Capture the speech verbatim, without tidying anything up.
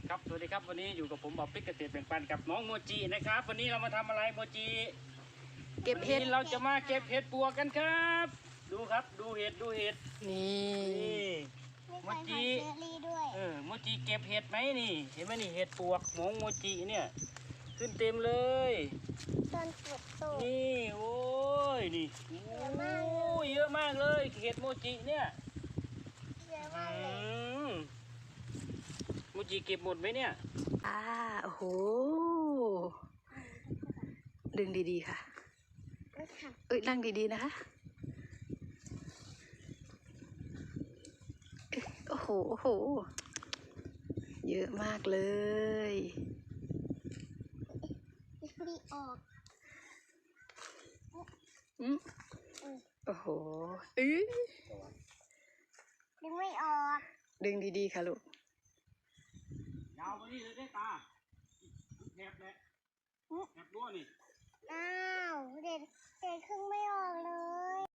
ครับสวัสดีครับวันนี้อยู่กับผมบอบปิ๊กเกษตรแบ่งปันกับน้องโมจินะครับวันนี้เรามาทำอะไรโมจิเก็บเห็ดวันนี้เราจะมาเก็บเห็ดปวกกันครับ ดูครับดูเห็ดดูเห็ดนี่นี่โมจิเออโมจิเก็บเห็ดไหมนี่เห็นไหมนี่เห็ดปวกหมงโมจิเนี่ยขึ้นเต็มเลยต้นฝุดโตนี่โอ้ยนี่โอ้ยเยอะมากเลยเห็ดโมจิเนี่ยเยอะอืมากเลยมโมจิเก็บหมดไหมเนี่ยอ่าโอ้โหดึงดีๆค่ะไม่ค่ะเอ้ยนั่งดีๆนะคะเอ้ยโอ้โหโอ้โหเยอะมากเลยดีออกอืมโอ้โหเอ้ยดึงไม่ออกดึงดีๆค่ะลูกยาวไปนี่เลยได้ตาแถบแหละแถบรั้วนี่อ้าว